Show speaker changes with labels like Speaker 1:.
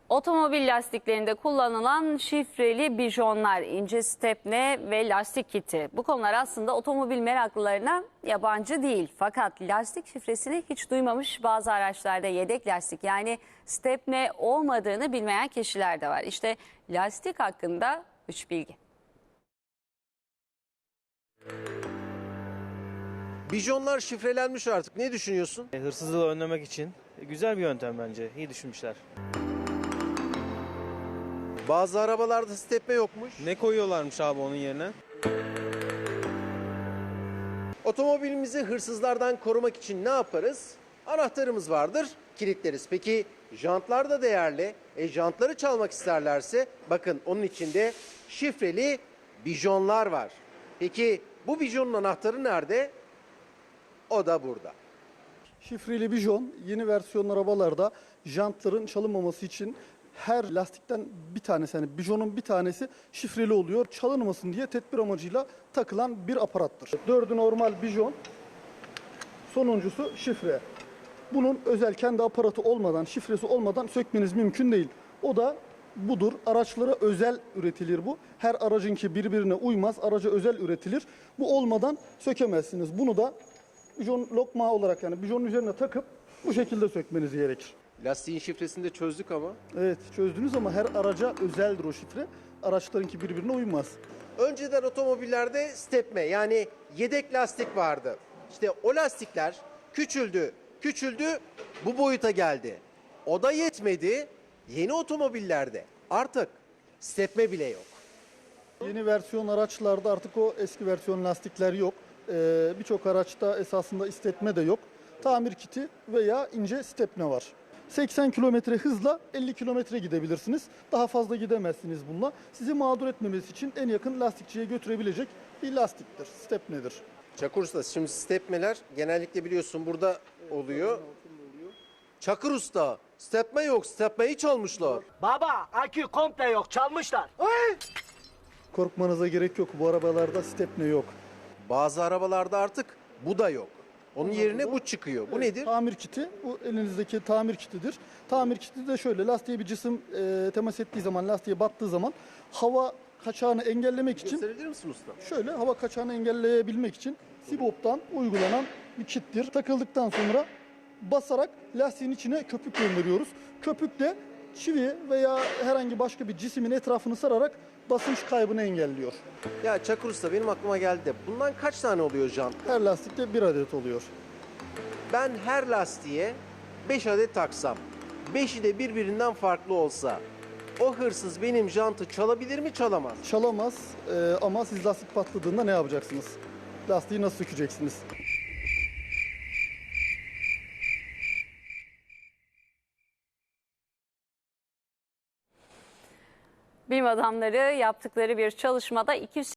Speaker 1: Otomobil lastiklerinde kullanılan şifreli bijonlar, ince stepne ve lastik kiti. Bu konular aslında otomobil meraklılarına yabancı değil. Fakat lastik şifresini hiç duymamış, bazı araçlarda yedek lastik yani stepne olmadığını bilmeyen kişiler de var. İşte lastik hakkında 3 bilgi.
Speaker 2: Bijonlar şifrelenmiş artık. Ne düşünüyorsun?
Speaker 3: Hırsızlığı önlemek için güzel bir yöntem bence. İyi düşünmüşler.
Speaker 2: Bazı arabalarda stepne yokmuş.
Speaker 4: Ne koyuyorlarmış abi onun yerine?
Speaker 2: Otomobilimizi hırsızlardan korumak için ne yaparız? Anahtarımız vardır, kilitleriz. Peki jantlar da değerli. Jantları çalmak isterlerse bakın onun içinde şifreli bijonlar var. Peki bu bijonun anahtarı nerede? O da burada.
Speaker 5: Şifreli bijon yeni versiyon arabalarda jantların çalınmaması için her lastikten bir tanesi, yani bijonun bir tanesi şifreli oluyor. Çalınmasın diye tedbir amacıyla takılan bir aparattır. 4'ü normal bijon, sonuncusu şifre. Bunun özel kendi aparatı olmadan, şifresi olmadan sökmeniz mümkün değil. O da budur. Araçlara özel üretilir bu. Her aracınki birbirine uymaz. Araca özel üretilir. Bu olmadan sökemezsiniz. Bunu da bijon lokma olarak, yani bijonun üzerine takıp bu şekilde sökmeniz gerekir.
Speaker 2: Lastiğin şifresini de çözdük ama.
Speaker 5: Evet, çözdünüz ama her araca özeldir o şifre. Araçlarınki birbirine uymaz.
Speaker 2: Önceden otomobillerde stepne yani yedek lastik vardı. İşte o lastikler küçüldü, bu boyuta geldi. O da yetmedi. Yeni otomobillerde artık stepne bile yok.
Speaker 5: Yeni versiyon araçlarda artık o eski versiyon lastikler yok. Birçok araçta esasında istetme de yok. Tamir kiti veya ince stepne var. 80 kilometre hızla 50 kilometre gidebilirsiniz. Daha fazla gidemezsiniz bununla. Sizi mağdur etmemesi için en yakın lastikçiye götürebilecek bir lastiktir, stepnedir.
Speaker 2: Çakır Usta, şimdi stepneler genellikle biliyorsun burada oluyor. Çakır Usta, stepne yok, stepneyi çalmışlar.
Speaker 6: Baba akü komple yok, çalmışlar.
Speaker 5: Korkmanıza gerek yok. Bu arabalarda stepne yok.
Speaker 2: Bazı arabalarda artık bu da yok. Onun yerine bu çıkıyor. Bu nedir?
Speaker 5: Tamir kiti. Bu elinizdeki tamir kitidir. Tamir kiti de şöyle: lastiğe bir cisim temas ettiği zaman, lastiğe battığı zaman hava kaçağını engellemek için,
Speaker 2: Gösterebilir misin usta?
Speaker 5: şöyle hava kaçağını engelleyebilmek için Sibop'tan uygulanan bir kittir. Takıldıktan sonra basarak lastiğin içine köpük gönderiyoruz. Köpük de çivi veya herhangi başka bir cismin etrafını sararak basınç kaybını engelliyor.
Speaker 2: Ya Çakır Usta, benim aklıma geldi de bundan kaç tane oluyor jant?
Speaker 5: Her lastikte bir adet oluyor.
Speaker 2: Ben her lastiğe 5 adet taksam, 5'i de birbirinden farklı olsa o hırsız benim jantı çalabilir mi, çalamaz?
Speaker 5: Çalamaz ama siz lastik patladığında ne yapacaksınız? Lastiği nasıl sökeceksiniz?
Speaker 1: Bilim adamları yaptıkları bir çalışmada 200